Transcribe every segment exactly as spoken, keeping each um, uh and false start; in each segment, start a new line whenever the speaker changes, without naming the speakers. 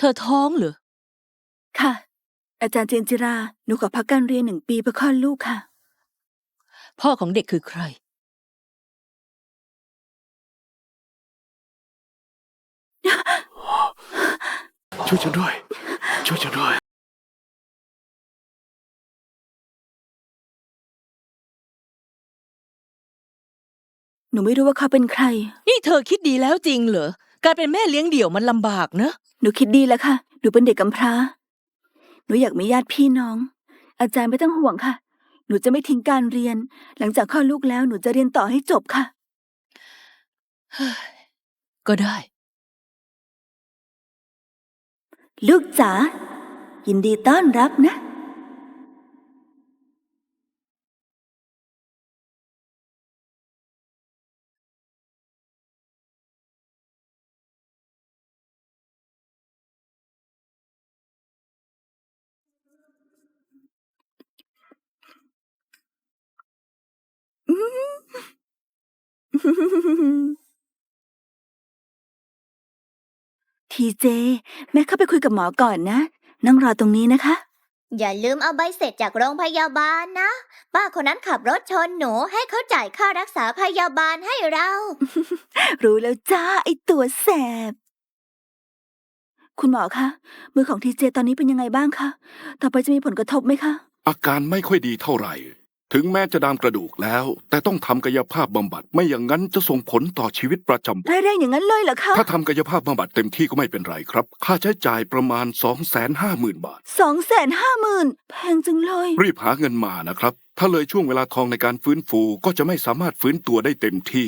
ธอท้องเหรอ
ค่ะอาจารย์เจนจิราหนูขอพักการเรียนหนึ่งปีเพื่อคลอดลูกค่ะ
พ่อของเด็กคือใคร
ช่วยฉันด้วยช่วยฉันด้วย
หนูไม่รู้ว่าเขาเป็นใคร
นี่เธอคิดดีแล้วจริงเหรอการเป็นแม่เลี้ยงเดี่ยวมันลำบากนะ
หนูคิดดีแล้วค่ะหนูเป็นเด็กกำพร้าหนูอยากมีญาติพี่น้องอาจารย์ไม่ต้องห่วงค่ะหนูจะไม่ทิ้งการเรียนหลังจากคลอดลูกแล้วหนูจะเรียนต่อให้จบค่ะ
ก็ได้
ลูกจ๋ายินดีต้อนรับนะทีเจแม่เข้าไปคุยกับหมอก่อนนะนั่งรอตรงนี้นะคะ
อย่าลืมเอาใบเสร็จจากโรงพยาบาลนะป้าคนนั้นขับรถชนหนูให้เขาจ่ายค่ารักษาพยาบาลให้เรา
รู้แล้วจ้าไอตัวแสบคุณหมอคะมือของทีเจตอนนี้เป็นยังไงบ้างคะต่อไปจะมีผลกระทบไหมคะ
อาการไม่ค่อยดีเท่าไหร่ถึงแม้จะดามกระดูกแล้วแต่ต้องทำกายภาพบำบัดไม่อย่างนั้นจะส่งผลต่อชีวิตประจำวัน
แรงๆอย่างนั้นเลยเหรอคะ
ถ้าทำกายภาพบำบัดเต็มที่ก็ไม่เป็นไรครับค่าใช้จ่ายประมาณ สองแสนห้าหมื่น บาท
สองแสนห้าหมื่นแพงจังเลย
รีบหาเงินมานะครับถ้าเลยช่วงเวลาทองในการฟื้นฟูก็จะไม่สามารถฟื้นตัวได้เต็มที่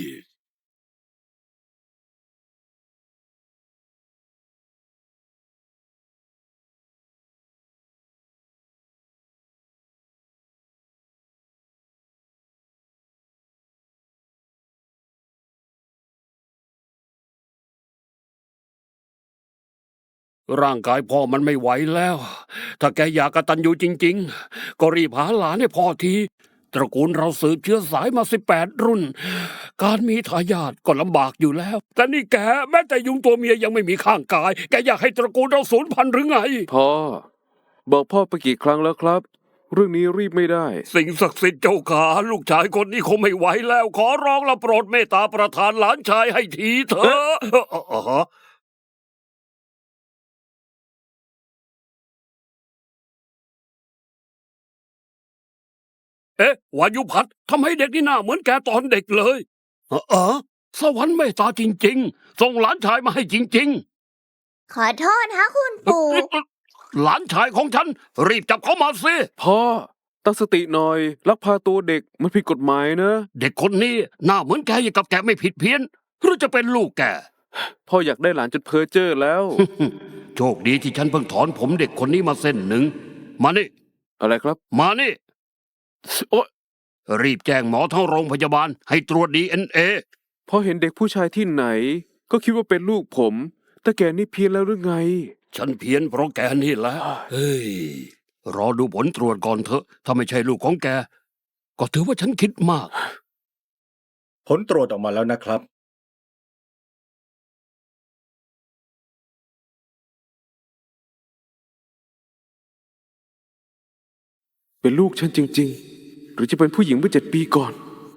ร่างกายพ่อมันไม่ไหวแล้ว ถ้าแกอยากกตัญญูจริงๆ ก็รีบหาหลานให้พ่อที ตระกูลเราสืบเชื้อสายมาสิบแปดรุ่น การมีทายาทก็ลำบากอยู่แล้ว แต่นี่แกแม้แต่ยุงตัวเมียยังไม่มีข้างกาย แกอยากให้ตระกูลเราสูญพันธุ์หรือไง
พ่อบอกพ่อไปกี่ครั้งแล้วครับ เรื่องนี้รีบไม่ได้
สิ่งศักดิ์สิทธิ์เจ้าขาลูกชายคนนี้คงไม่ไหวแล้ว ขอร้องละโปรดเมตตาประทานหลานชายให้ทีเถอะเอ๊ะวายุพัฒน์ทำให้เด็กนี่หน้าเหมือนแกตอนเด็กเลยเออเออสวรรค์เมตตาจริงๆส่งหลานชายมาให้จริง
ขอโทษนะคุณปู่
ๆหลานชายของฉันรีบจับเขามาสิ
พ่อตั้งสติหน่อยลักพาตัวเด็กมันผิดกฎหมายนะ
เด็กคนนี้หน้าเหมือนแกอย่างกับแกไม่ผิดเพี้ยนหรือจะเป็นลูกแก
พ่ออยากได้หลานจนเพ้อเจ้อแล้ว
โชคดีที่ฉันเพิ่งถอนผมเด็กคนนี้มาเส้นหนึ่งมานี่
อะไรครับ
มานี่
โอ๊ย
รีบแจ้งหมอทั้งโรงพยาบาลให้ตรวจดีเอ็นเอ
พอเห็นเด็กผู้ชายที่ไหน ก็คิดว่าเป็นลูกผม แต่แกนี่เพี้ยนแล้วหรือไง
ฉันเพี้ยนเพราะแกนี่แหละ เฮ้ย รอดูผลตรวจก่อนเถอะ ถ้าไม่ใช่ลูกของแก ก็ถือว่าฉันคิดมาก
ผลตรวจออกมาแล้วนะครับ
เป็นลูกฉันจริงๆ หรือจะเป็นผู้หญิงเมื่อเจ็ดปีก่อน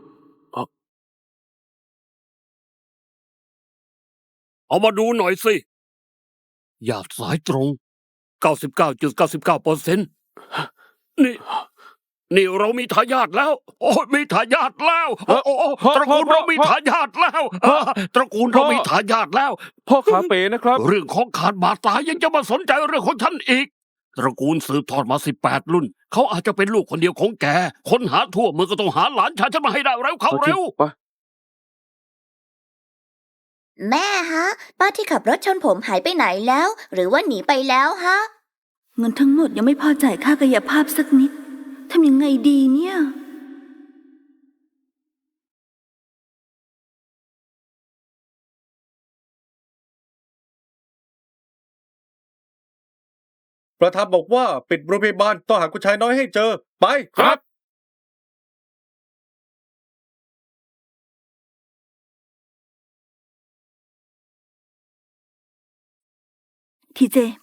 เอามาดูหน่อยสิหยาดสายตรง เก้าสิบเก้าจุดเก้าสิบเก้าเปอร์เซ็นต์ นี่ นี่เรามีทายาทแล้ว โอ้ยมีทายาทแล้ว โอ้โอ้ตระกูลเรามีทายาทแล้ว ตระกูลเรามีทายาทแล้ว
พ่อขาเป๋นะครับ
เรื่องของขาดบาดตายยังจะมาสนใจเรื่องของฉันอีก ตระกูลสืบทอดมาสิบแปดรุ่น เขาอาจจะเป็นลูกคนเดียวของแก คนหาทั่วเมืองก็ต้องหาหลานชายฉันมาให้ได้เร็วเข้าเร็ว
แม่ฮะ ป้าที่ขับรถชนผมหายไปไหนแล้ว หรือว่าหนีไปแล้วฮะ
เงินทั้งหมดยังไม่พอจ่ายค่ากายภาพสักนิดทำยังไงดีเนี่ย
ประธานบอกว่าปิดโรงพยาบาลต้องหาคุณชายน้อยให้เจอ ไป
ครับ
ทีเจไป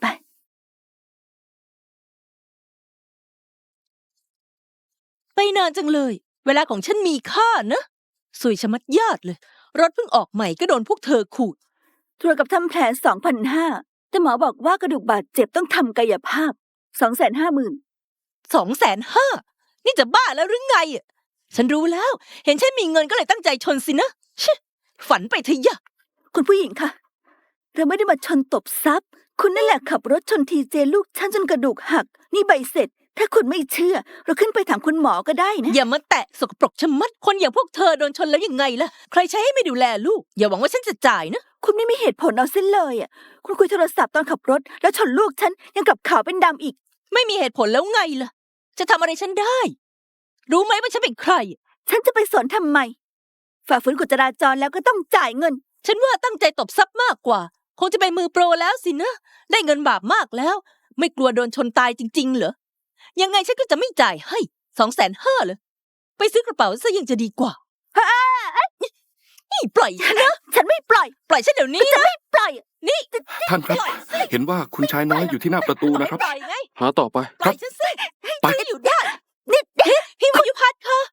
ไปนานจังเลย เวลาของฉันมีค่านะสวยชะมัดญาติเลย รถเพิ่งออกใหม่ก็โดนพวกเธอขูด
ตรวจกับทำแผลสองพันห้าแต่หมอบอกว่ากระดูกบาดเจ็บต้องทำกายภาพสองแสนห้าหมื่น
สองแสนห้านี่จะบ้าแล้วหรือไงอะฉันรู้แล้ว เห็นฉันมีเงินก็เลยตั้งใจชนสินะชิฝันไปเถอะยะ
คุณผู้หญิงคะเราไม่ได้มาชนตบทรัพย์ คุณนั่นแหละขับรถชนทีเจลูกฉันจนกระดูกหัก นี่ใบเสร็จ ถ้าคุณไม่เชื่อ เราขึ้นไปถามคุณหมอก็ได้นะ
อย่ามาแตะสกปรกชะมัด คนอย่างพวกเธอโดนชนแล้วยังไงล่ะ ใครใช้ให้ไม่ดูแลลูก อย่าหวังว่าฉันจะจ่ายนะ
คุณไม่มีเหตุผลเอาเส้นเลยอ่ะ คุณคุยโทรศัพท์ตอนขับรถ แล้วชนลูกฉันยังกลับขาวเป็นดำอีก
ไม่มีเหตุผลแล้วไงล่ะ จะทำอะไรฉันได้ รู้ไหมว่าฉันเป็นใคร
ฉันจะไปสนทำไม ฝ่าฝืนกฎจราจรแล้วก็ต้องจ่ายเงิน
ฉันว่าตั้งใจตบทรัพย์มากกว่า คงจะเป็นมือโปรแล้วสินะ ได้เงินบาปมากแล้ว ไม่กลัวโดนชนตายจริงๆเหรอ ยังไงฉันก็จะไม่จ่ายให้สองแสนห้าเลยไปซื้อกระเป๋าซะยังจะดีกว่านี่ปล่อยฉันนะ
ฉันไม่ปล่อย
ปล่อยฉันเดี๋ยวนี้
ฉัน
นะ
ไม่ปล่อย
นี่
ท่านครับ
ปล่อยสิ
เห็นว่าคุณชายน้อยอยู่ที่หน้าประตูนะครับ
ปล่อยไง
หาต่อไป
ปล่อยฉันสิ
ไป
ฉันจะอยู่ได้นี่พี่วายุพัฒน์คะ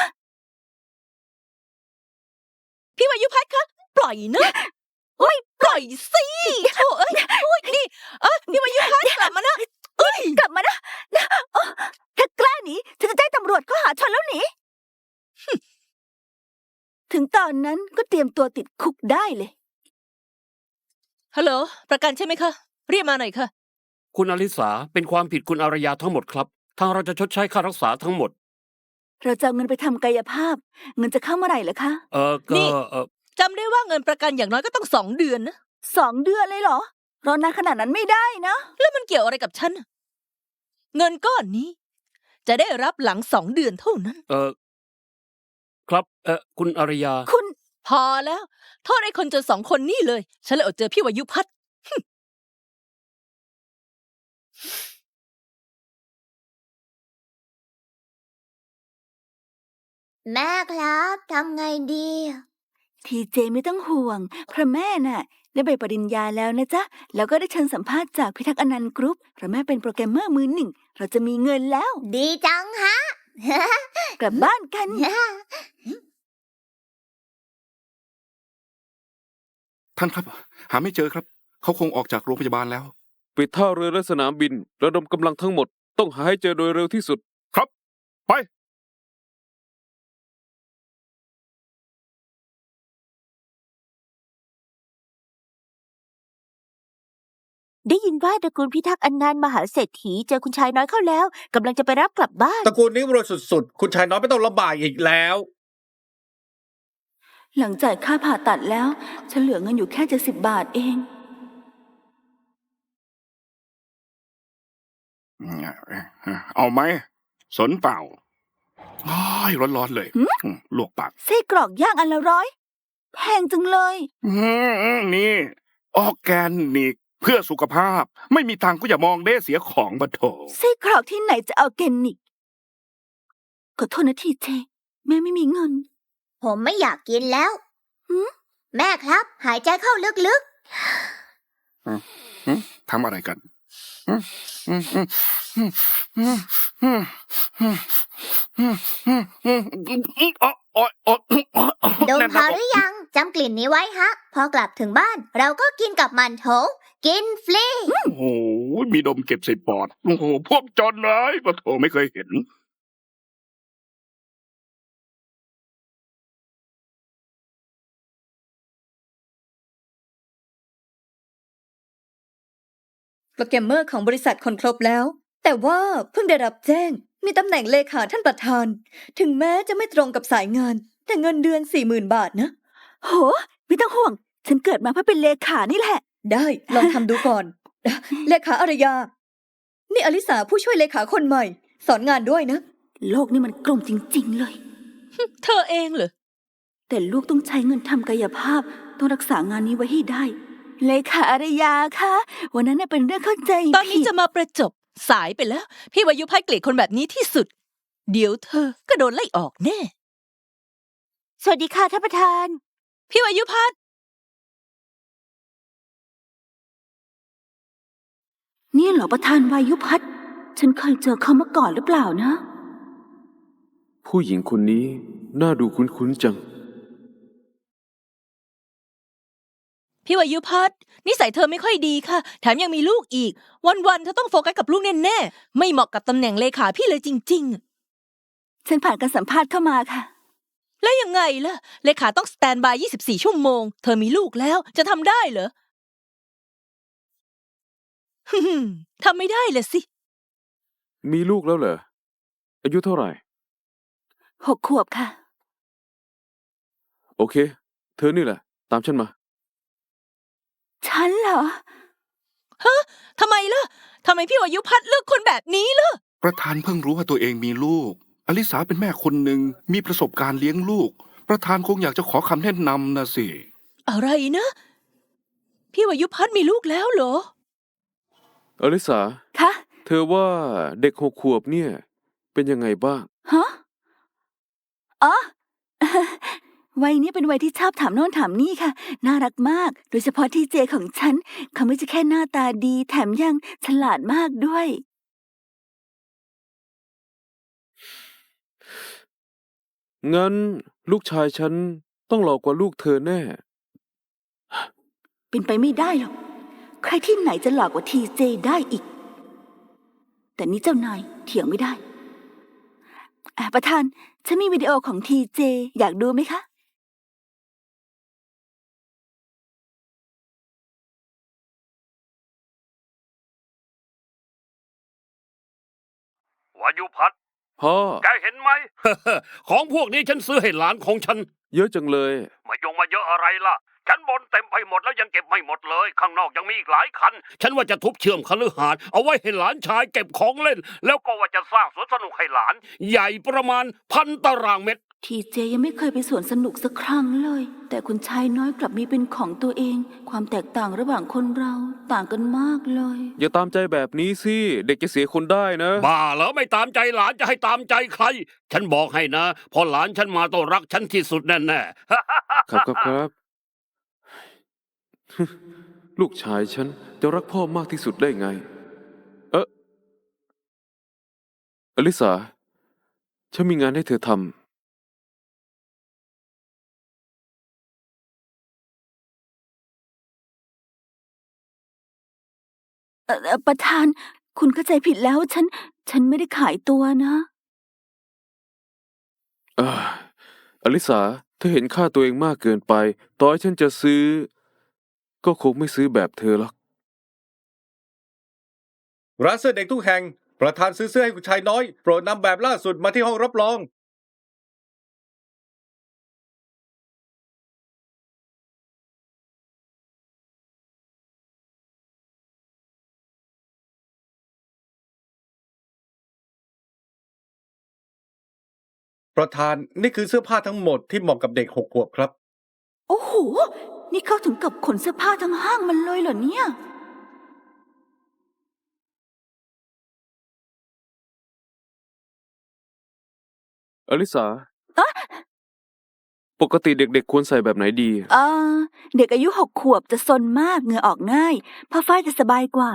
พี่วายุพัฒน์คะปล่อยนะไม่ปล่อยสิโถ่เอ้ยโอ้ยนี่เอ้ยพี่วายุพัฒน์กลับมานะเอ้ย
กลับมานะนะโอ้ถ้ากล้าหนีฉันจะแจ้งตำรวจข้อหาชนแล้วหนี ถึงตอนนั้นก็เตรียมตัวติดคุกได้เลย
ฮัลโหลประกันใช่ไหมคะเรียกมาหน่อยค่ะ
คุณอลิสาเป็นความผิดคุณอารยาทั้งหมดครับ ทางเราจะชดใช้ค่ารักษาทั้งหมด
เราจะเอาเงินไปทำกายภาพ เงินจะเข้าเมื่อไหร่เหรอคะ
เออก็
นี่
เออ
จำได้ว่าเงินประกันอย่างน้อยก็ต้องสองเดือนนะ
สองเดือนเลยเหรอ รอนานขนาดนั้นไม่ได้นะ
แล้วมันเกี่ยวอะไรกับฉันน่ะเงินก้อนนี้ จะได้รับหลังสองเดือนเท่านั้น
เออครับเออคุณอารยา
คุณ
พอแล้วโทษไอ้คนจนสองคนนี่เลย ฉันเลยอดเจอพี่วายุพัฒน์
แม่ครับทำไงดี
ทีเจไม่ต้องห่วงเพราะแม่น่ะ ได้ใบปริญญาแล้วนะจ๊ะ แล้วก็ได้เชิญสัมภาษณ์จากพิทักษ์อนันต์กรุ๊ปเพราะแม่เป็นโปรแกรมเมอร์มือหนึ่ง เราจะมีเงินแล้ว
ดีจังฮะ
กลับบ้านกัน
ท่านครับ หาไม่เจอครับ เขาคงออกจากโรงพยาบาลแล้ว
ปิดท่าเรือและสนามบิน ระดมกำลังทั้งหมด ต้องหาให้เจอโดยเร็วที่สุด
ครับ ไป
ได้ยินว่าตระกูลพิทักษ์อนันต์มหาเศรษฐีเจอคุณชายน้อยเข้าแล้วกำลังจะไปรับกลับบ้าน
ตระกูลนี้รวยสุดๆ คุณชายน้อยไม่ต้องลำบากอีกแล้ว
หลังจ่ายค่าผ่าตัดแล้ว ฉันเหลือเงินอยู่แค่เจ็ดสิบบาทเอง
เอาไหม สนเปล่าอ้ายร้อนๆเลย
หืม
อืมลวกปาก
ไส้กรอกย่างอันละร้อย แพงจังเลย
อืมนี่ ออร์แกนิก เพื่อสุขภาพ ไม่มีตังค์ก็อย่ามองเด้เสียของบะโถ
ไส้กรอกที่ไหนจะเอาแกนิกขอโทษนะทีเจ แม่ไม่มีเงิน
ผมไม่อยากกินแล้ว
หืม
แม่ครับ หายใจเข้าลึก
อืมทำอะไรกันอืมอืมอืมอืมอืมอืมอืมอืมอืมอืมอืมอืมอ๋ออ๋ออ๋ออ๋อ
ๆ ดม
แน่น
พอ
หน้า
ห
อก
รือยังจำกลิ่นนี้ไว้ฮะ พอกลับถึงบ้าน เราก็กินกับมันโถ กินฟรี
โอ้โห มีดมเก็บใส่ปอด โอ้โห พวกจนเลยปะโถไม่เคยเห็น
โปรแกรมเมอร์ของบริษัทคนครบแล้ว แต่ว่าเพิ่งได้รับแจ้ง มีตำแหน่งเลขาท่านประธาน ถึงแม้จะไม่ตรงกับสายงาน แต่เงินเดือนสี่หมื่นบาทนะ
โห ไม่ต้องห่วง ฉันเกิดมาเพื่อเป็นเลขานี่แหละ
ได้ลองทำดูก่อน เลขาอารยา นี่อลิสาผู้ช่วยเลขาคนใหม่ สอนงานด้วยนะ
โลกนี่มันกลมจริง ๆ เลย
เธอเองเหรอ
แต่ลูกต้องใช้เงินทำกายภาพ ต้องรักษางานนี้ไว้ให้ได้ เลขาอารยาคะวันนั้นน่ะเป็นเรื่องเข้าใจ
ตอนนี้
ผิด
จะมาประจบสายไปแล้ว พี่วายุพัฒน์เกลียดคนแบบนี้ที่สุด เดี๋ยวเธอก็โดนไล่ออกแน่
สวัสดีค่ะท่านประธาน
พี่วายุพัฒน์
นี่เหรอประธานวายุพัฒน์ฉันเคยเจอเขามาก่อนหรือเปล่านะ
ผู้หญิงคนนี้น่าดูคุ้นๆจัง
พี่วายุพัฒน์นิสัยเธอไม่ค่อยดีค่ะ แถมยังมีลูกอีก วันๆเธอต้องโฟกัสกับลูกแน่ๆ ไม่เหมาะกับตำแหน่งเลขาพี่เลยจริง
ฉันผ่านการสัมภาษณ์เข้ามาค่ะ
ๆ แล้วยังไงล่ะ เลขาต้องสแตนบายยี่สิบสี่ชั่วโมง เธอมีลูกแล้วจะทำได้เหรอ ฮึ่มทำไม่ได้เลยสิ
มีลูกแล้วเหรอ อายุเท่าไหร่
หกขวบค่ะ
โอเค เธอนี่แหละ ตามฉันมา
ฉันเหรอ
ทำไมล่ะ ทำไมพี่วายุพัฒน์เลือกคนแบบนี้ล่ะ
ประธานเพิ่งรู้ว่าตัวเองมีลูก อลิสาเป็นแม่คนหนึ่งมีประสบการณ์เลี้ยงลูก ประธานคงอยากจะขอคำแนะนำนะสิ
อะไรนะ พี่วายุพัฒน์มีลูกแล้วเหรอ
อลิสา
คะ
เธอว่าเด็กหกขวบเนี่ย เป็นยังไงบ้าง
ฮะ อ๋อ วัยนี้เป็นวัยที่ชอบถามโน่นถามนี่ค่ะ น่ารักมาก โดยเฉพาะทีเจของฉัน เขาไม่ใช่แค่หน้าตาดี แถมยังฉลาดมากด้วย
งั้นลูกชายฉันต้องหล่อกว่าลูกเธอแน่
เป็นไปไม่ได้หรอก ใครที่ไหนจะหลอกกว่าทีเจได้อีก แต่นี่เจ้านายเถียงไม่ได้อ่ะประธาน ฉันมีวิดีโอของทีเจอยากดูไหมคะ
วายุพัฒน์
พ่อ
แกเห็นไหม ของพวกนี้ฉันซื้อให้หลานของฉัน
เยอะจังเลย
มายงมาเยอะอะไรล่ะ ฉันบนเต็มไปหมดแล้วยังเก็บไม่หมดเลย ข้างนอกยังมีอีกหลายคัน ฉันว่าจะทุบเชื่อมคฤหาสน์เอาไว้ให้หลานชายเก็บของเล่น แล้วก็ว่าจะสร้างสวนสนุกให้หลาน ใหญ่ประมาณพันตารางเมตร
ทีเจยังไม่เคยไปสวนสนุกสักครั้งเลย แต่คุณชายน้อยกลับมีเป็นของตัวเอง ความแตกต่างระหว่างคนเราต่างกันมากเลย
อย่าตามใจแบบนี้สิ เด็กจะเสียคนได้นะ
บ้าเหรอไม่ตามใจหลานจะให้ตามใจใคร ฉันบอกให้นะ พอหลานฉันมาต้องรักฉันที่สุดแน่ๆ
ครับครับครับ ลูกชายฉันจะรักพ่อมากที่สุดได้ไง เอ๊ะอลิสา ฉันมีงานให้เธอทำ
เอ่อเอ่อประธาน คุณเข้าใจผิดแล้ว ฉัน ฉันไม่ได้ขายตัวนะ
เอ่ออลิสา เธอเห็นค่าตัวเองมากเกินไป ต่อให้ฉันจะซื้อ ก็คงไม่ซื้อแบบเธอหรอก
ร้านเสื้อเด็กทุกแห่ง ประธานซื้อเสื้อให้คุณชายน้อย โปรดนำแบบล่าสุดมาที่ห้องรับรอง ประธานนี่คือเสื้อผ้าทั้งหมดที่เหมาะกับเด็กหกขวบครับ
โอ้โห นี่เขาถึงกับขนเสื้อผ้าทั้งห้างมันเลยเหรอเนี่ย
อลิสา ปกติเด็กๆควรใส่แบบไหนดี
เออเด็กอายุหกขวบจะซนมากเหงื่อออกง่ายผ้าฝ้ายจะสบายกว่า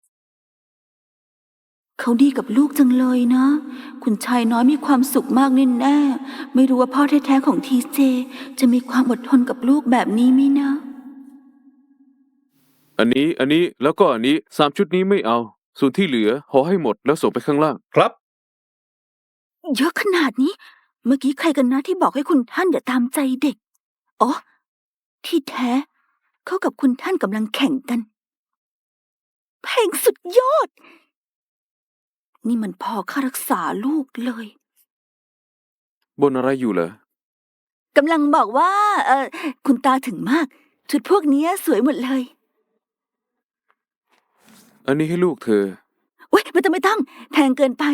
เขาดีกับลูกจังเลยนะ คุณชายน้อยมีความสุขมากแน่ๆไม่รู้ว่าพ่อแท้ๆของทีเจจะมีความอดทนกับลูกแบบนี้ไหมนะ
อันนี้ อันนี้ แล้วก็อันนี้ สามชุดนี้ไม่เอา ส่วนที่เหลือห่อให้หมดแล้วส่งไปข้างล่าง
ครับ
เยอะขนาดนี้ เมื่อกี้ใครกันนะที่บอกให้คุณท่านอย่าตามใจเด็ก อ๋อ ที่แท้ เขากับคุณท่านกำลังแข่งกัน เพลงสุดยอด นี่มันพอค่ารักษาลูกเลย
บนอะไรอยู่เหรอ
กำลังบอกว่า เออคุณตาถึงมาก ชุดพวกนี้สวยหมดเลย
อันนี้ให้ลูกเธอ
เว้ยไม่ต้องไม่ต้องแพงเกินไป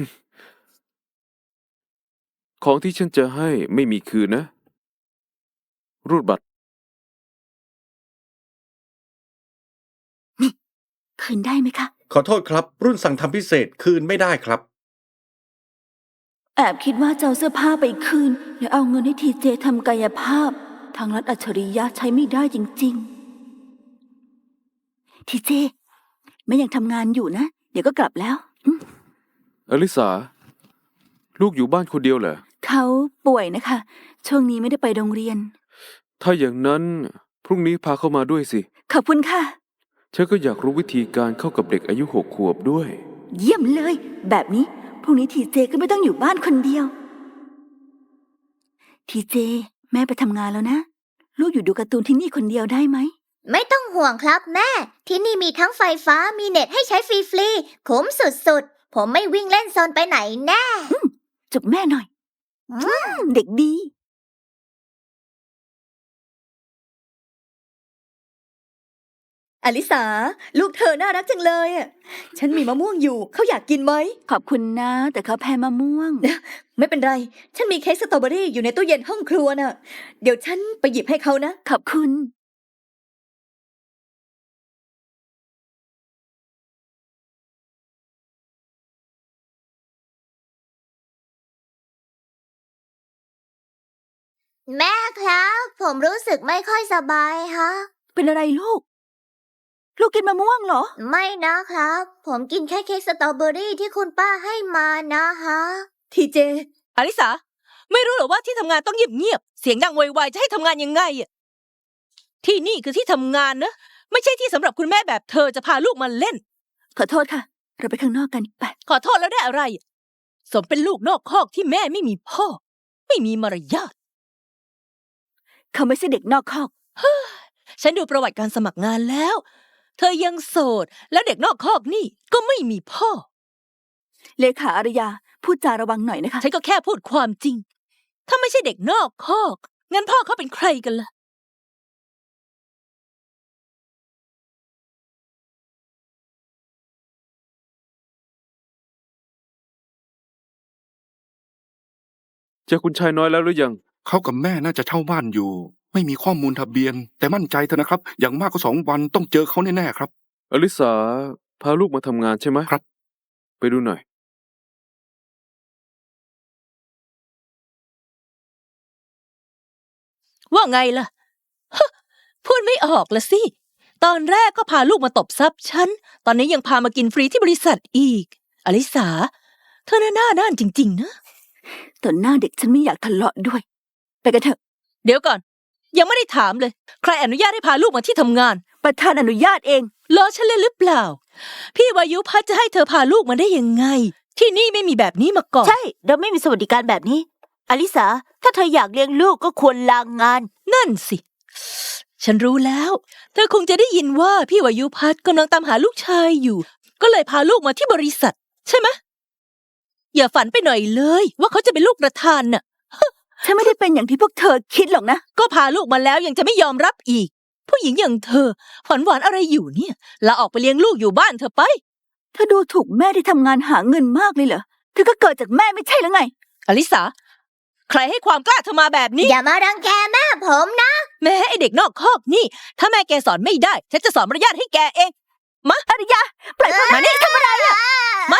ของที่ฉันจะให้ไม่มีคืนนะ รูดบัตร
คืนได้ไหมคะ
ขอโทษครับ รุ่นสั่งทำพิเศษคืนไม่ได้ครับ
แอบคิดว่าจะเอาเสื้อผ้าไปคืน แล้วเอาเงินให้ทีเจทำกายภาพ ทางรัฐอัจฉริยะใช้ไม่ได้จริงๆ ทีเจแม่ยังทำงานอยู่นะ เดี๋ยวก็กลับแล้วอืม
อลิสา ลูกอยู่บ้านคนเดียวเหรอ
เขาป่วยนะคะ ช่วงนี้ไม่ได้ไปโรงเรียน
ถ้าอย่างนั้นพรุ่งนี้พาเข้ามาด้วยสิ
ขอบคุณค่ะ
ฉันก็อยากรู้วิธีการเข้ากับเด็กอายุหกขวบด้วย
เยี่ยมเลย แบบนี้พรุ่งนี้ทีเจก็ไม่ต้องอยู่บ้านคนเดียว ทีเจ แม่ไปทำงานแล้วนะ ลูกอยู่ดูการ์ตูนที่นี่คนเดียวได้ไหม
ไม่ต้องห่วงครับแม่ ที่นี่มีทั้งไฟฟ้ามีเน็ตให้ใช้ฟรีๆคุ้มสุดๆ ผมไม่วิ่งเล่นโซนไปไหนแน่
จุบแม่หน่อย เด็กดี
อลิสา ลูกเธอน่ารักจังเลยอะฉันมีมะม่วงอยู่ เขาอยากกินไหม
ขอบคุณนะ แต่เขาแพ้มะม่วง
ไม่เป็นไร ฉันมีเค้กสตรอเบอรี่อยู่ในตู้เย็นห้องครัวน่ะ เดี๋ยวฉันไปหยิบให้เขานะ
ขอบคุณ
แม่ครับ ผมรู้สึกไม่ค่อยสบายฮะ
เป็นอะไรลูก ลูกกินมะม่วงเหรอ
ไม่นะครับ ผมกินแค่เค้กสตรอเบอรี่ที่คุณป้าให้มานะฮะ
ทีเจ
อลิสา ไม่รู้เหรอว่าที่ทำงานต้องเงียบๆเสียงดังไวๆจะให้ทำงานยังไงอะที่นี่คือที่ทำงานนะ ไม่ใช่ที่สำหรับคุณแม่แบบเธอจะพาลูกมาเล่น
ขอโทษค่ะ เราไปข้างนอกกันไป
ขอโทษแล้วได้อะไร สมเป็นลูกนอกคอกที่แม่ไม่มีพ่อ ไม่มีมารยาท
เขาไม่ใช่เด็กนอกคอก
ฉันดูประวัติการสมัครงานแล้ว เธอยังโสด แล้วเด็กนอกคอกนี่ก็ไม่มีพ่อ
เลขาอารยา พูดจาระวังหน่อยนะคะ
ฉันก็แค่พูดความจริง ถ้าไม่ใช่เด็กนอกคอก งั้นพ่อเขาเป็นใครกันล่ะ
เจอคุณชายน้อยแล้วหรือยัง
เขากับแม่น่าจะเช่าบ้านอยู่ ไม่มีข้อมูลทะเบียน แต่มั่นใจเถอะนะครับ อย่างมากก็สองวันต้องเจอเขาแน่ๆครับ
อลิสา พาลูกมาทำงานใช่ไหม
ครับ
ไปดูหน่อย
ว่าไงล่ะ ฮะ พูดไม่ออกละสิ ตอนแรกก็พาลูกมาตบทรัพย์ฉัน ตอนนี้ยังพามากินฟรีที่บริษัทอีก อลิสา เธอน่าหน้าด้านจริงๆนะ
ต่อหน้าเด็กฉันไม่อยากทะเลาะด้วย ไปกันเถอะ
เดี๋ยวก่อน ยังไม่ได้ถามเลย ใครอนุญาตให้พาลูกมาที่ทำงาน
ประธานอนุญาตเอง
ล้อฉันเล่นหรือเปล่า พี่วายุพัฒน์จะให้เธอพาลูกมาได้ยังไง ที่นี่ไม่มีแบบนี้มาก่อน
ใช่ เราไม่มีสวัสดิการแบบนี้ อลิสา ถ้าเธออยากเลี้ยงลูกก็ควรลางงาน
นั่นสิ ฉันรู้แล้ว เธอคงจะได้ยินว่าพี่วายุพัฒน์กำลังตามหาลูกชายอยู่ ก็เลยพาลูกมาที่บริษัท ใช่ไหมอย่าฝันไปหน่อยเลย ว่าเขาจะเป็นลูกประธานน่ะ
ฉันไม่ได้เป็นอย่างที่พวกเธอคิดหรอกนะ
ก็พาลูกมาแล้วยังจะไม่ยอมรับอีก ผู้หญิงอย่างเธอฝันหวานอะไรอยู่เนี่ยลาออกไปเลี้ยงลูกอยู่บ้านเธอไป
เธอดูถูกแม่ที่ทำงานหาเงินมากเลยเหรอ เธอก็เกิดจากแม่ไม่ใช่หรือไง
อลิสา ใครให้ความกล้าเธอมาแบบนี้
อย่ามารังแกแม่ผมนะ
แม่ไอเด็กนอกคอกนี่ ถ้าแม่แกสอนไม่ได้ ฉันจะสอนมารยาทให้แกเอง มาอริยา ปล่อยพ่อมานี่ทำอะไรอ่ะ มา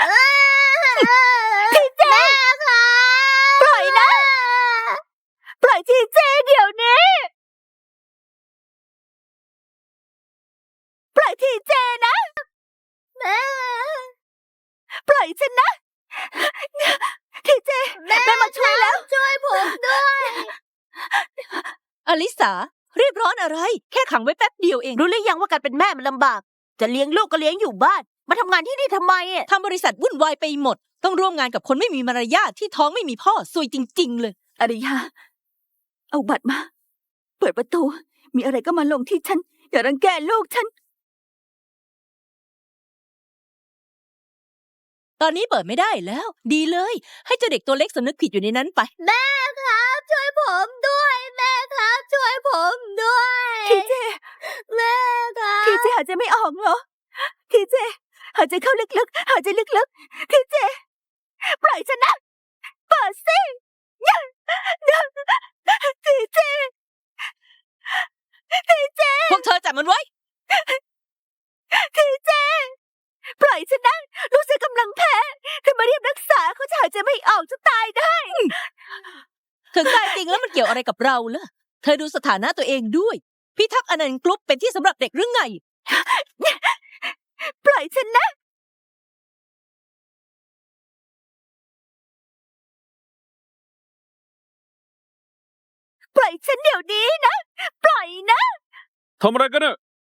พี่เจแม่ครับ
ปล่อยนะ ปล่อยทีเจเดี๋ยวนี้ ปล่อยทีเจนะ
แม่
ปล่อยฉันนะ ทีเจ
แม่
แม่มาช่วยแล้ว
ช่วยผมด้วย
อลิสา รีบร้อนอะไร แค่ขังไว้แป๊บเดียวเอง
รู้หรือยังว่าการเป็นแม่มันลำบาก จะเลี้ยงลูกก็เลี้ยงอยู่บ้าน มาทำงานที่นี่ทำไมอ่ะ
ทำบริษัทวุ่นวายไปหมด ต้องร่วมงานกับคนไม่มีมารยาทที่ท้องไม่มีพ่อซวยจริง ๆ เลย
อริยา เอาบัตรมา เปิดประตู มีอะไรก็มาลงที่ฉัน อย่ารังแกลูกฉัน
ตอนนี้เปิดไม่ได้แล้ว ดีเลย ให้เจ้าเด็กตัวเล็กสำนึกผิดอยู่ในนั้นไป
แม่ครับ ช่วยผมด้วย แม่ครับ ช่วยผมด้วย
ทีเจ
แม่ครับ
ทีเจหายใจไม่ออกเหรอ ทีเจหายใจเข้าลึกๆ หายใจลึกๆ ทีเจ ปล่อยฉันนะ เปิดสิทีเจ ทีเจ
พวกเธอจับมันไว้
ทีเจ ปล่อยฉันนะ ลูกฉันกำลังแพ้เธอมาเรียบรักษาเขาจะหายใจไม่ออกจะตายได้
ถึงตายจริงแล้วมันเกี่ยวอะไรกับเราล่ะ เธอดูสถานะตัวเองด้วย พิทักษ์อนันต์กรุ๊ปเป็นที่สำหรับเด็กหรือไง
อยฉันนะ ปล่อยฉันเดี๋ยวนี้นะ ปล่อยนะ
ทำอะไรกันเนี่ย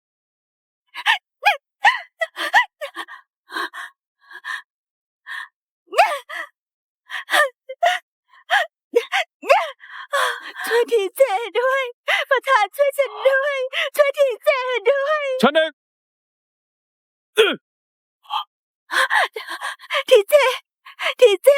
ช่วยทีเจด้วย ประธานช่วยฉันด้วย ช่วยทีเจด้วย
ฉันเอง
ทีเจ ทีเจ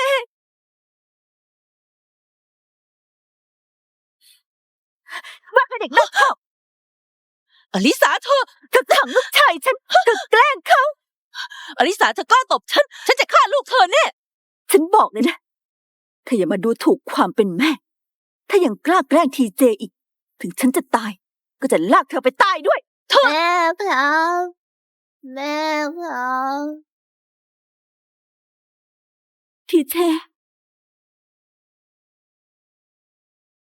ว่าเป็นเด็กนอกคอก
อลิสาเธอ
เธอขังลูกชายฉัน เธอแกล้งเขา
อลิสาเธอกล้าตบฉัน ฉันจะฆ่าลูกเธอแน่
ฉันบอกเลยนะ เธออย่ามาดูถูกความเป็นแม่ ถ้ายังกล้าแกล้งทีเจอีก ถึงฉันจะตาย ก็จะลากเธอไปตายด้วย เธอ
แม่ครับแม่ครับ
ทีเจ